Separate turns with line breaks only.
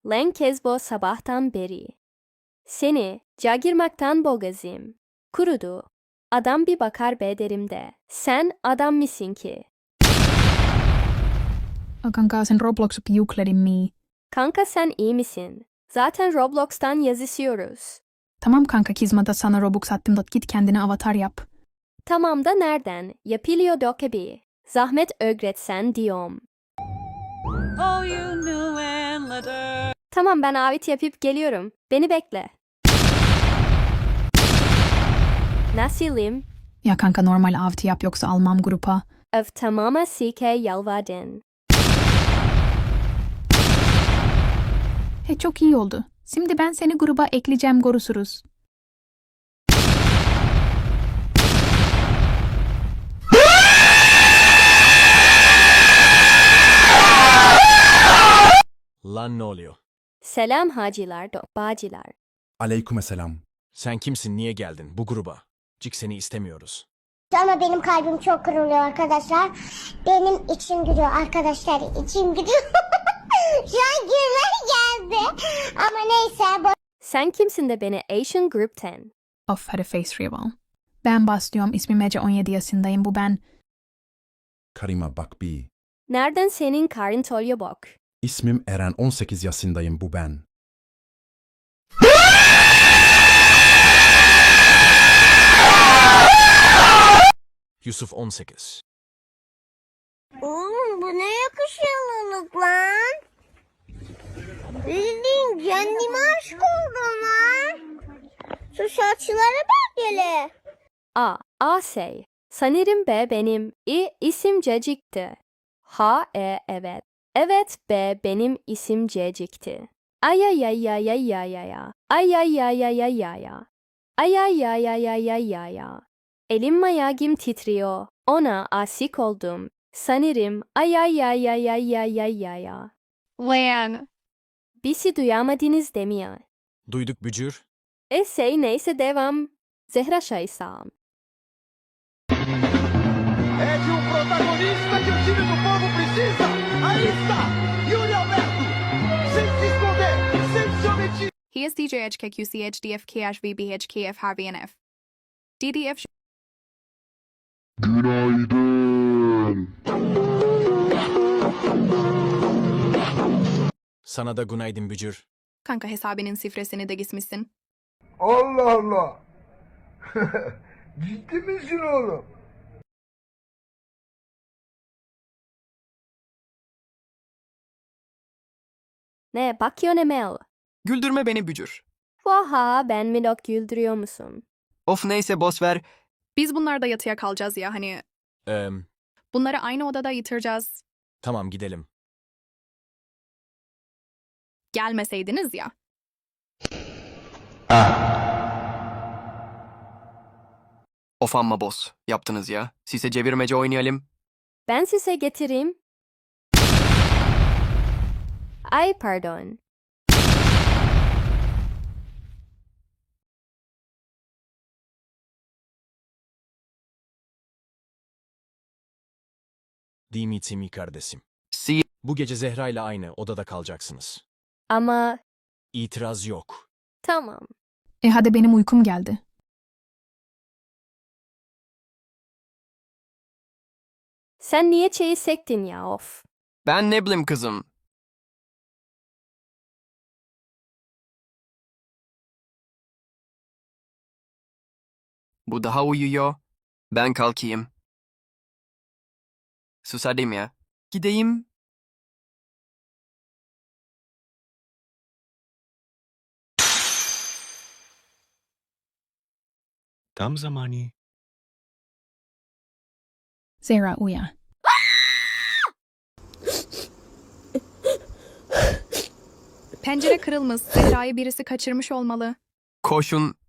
Len Kezbo sabahtan beri. Seni cagirmaktan boğazım. Kurudu. Adam bir bakar be derim de. Sen adam mısın ki?
Kanka sen Roblox'u yükledin mi?
Kanka sen iyi misin? Zaten Roblox'tan yazışıyoruz.
Tamam kanka kızmada sana Robux attım da git kendine avatar yap.
Tamam da nereden? Yapılıyor dokebi. Zahmet öğretsen diyorum.
Oh, you knew and letter.
Tamam ben avit yapıp geliyorum. Beni bekle. Nasılım?
Ya kanka normal avti yap yoksa almam grupa.
Of tamama sike yalvardın.
He çok iyi oldu. Şimdi ben seni gruba ekleyeceğim görüşürüz.
Lan ne oluyor?
Selam hacılar, bacılar.
Aleykümselam.
Sen kimsin, niye geldin bu gruba? Cik seni istemiyoruz.
Ama benim kalbim çok kırılıyor arkadaşlar. Benim içim gülüyor arkadaşlar. İçim gülüyor. Şu an gülmek geldi. Ama neyse.
Sen kimsin de beni Asian Group'ten?
Of hadi face reveal. Ben başlıyorum. İsmim Ece 17 yaşındayım. Bu ben.
Karima bak bir.
Nereden senin karın tolyo bok?
İsmim Eren 18 yaşındayım bu ben.
Yusuf 18.
Oğlum bu ne yakışıklılık lan. Bildiğin kendime aşık oldum lan. Şu saçlara bak hele.
Asey. Sanırım B benim isim Cecik'ti. Evet. Evet B benim isim Cecik'ti. Ay ay ay ay ay ay ay ay. Ay ay ay ay ay ay ay. Ay ay ay ay ay ay ay ay. Elim ayağım titriyor. Ona aşık oldum. Sanırım ay ay ay ay ay ay ay ay ay.
Lan.
Bizi duyamadınız demiyor.
Duyduk bücür.
Neyse devam. Zehra Şaysam.
É de um protagonista que o time do povo precisa. Aí está, Yuri Alberto. Sem se esconder, sem se omitir.
He is DJ HKQC HDF KH VB HKF Harvey NF. DDF.
Sana da günaydın bücür.
Kanka hesabının sifresini de gitmişsin.
Allah Allah. Ciddi misin oğlum?
Ne bakıyorsun Emel?
Güldürme beni bücür.
Vaha ben mi dok güldürüyor musun?
Of neyse boş ver.
Biz bunlarda yatıya kalacağız ya hani.
Eee,
Bunları aynı odada yatıracağız.
tamam gidelim.
Gelmeseydiniz ya.
Of amma boss. Yaptınız ya. Size çevirmece oynayalım.
Ben size getireyim. Ay pardon.
Dimitri kardeşim.
Si
Bu gece Zehra ile aynı odada kalacaksınız.
Ama
İtiraz yok.
tamam.
Hadi benim uykum geldi.
Sen niye çeyi sektin ya of.
ben ne bileyim kızım. Bu daha uyuyor. Ben kalkayım. Susadım ya. Gideyim.
Tam zamanı.
Zehra uyan.
Pencere kırılmış. Zehra'yı birisi kaçırmış olmalı.
Koşun.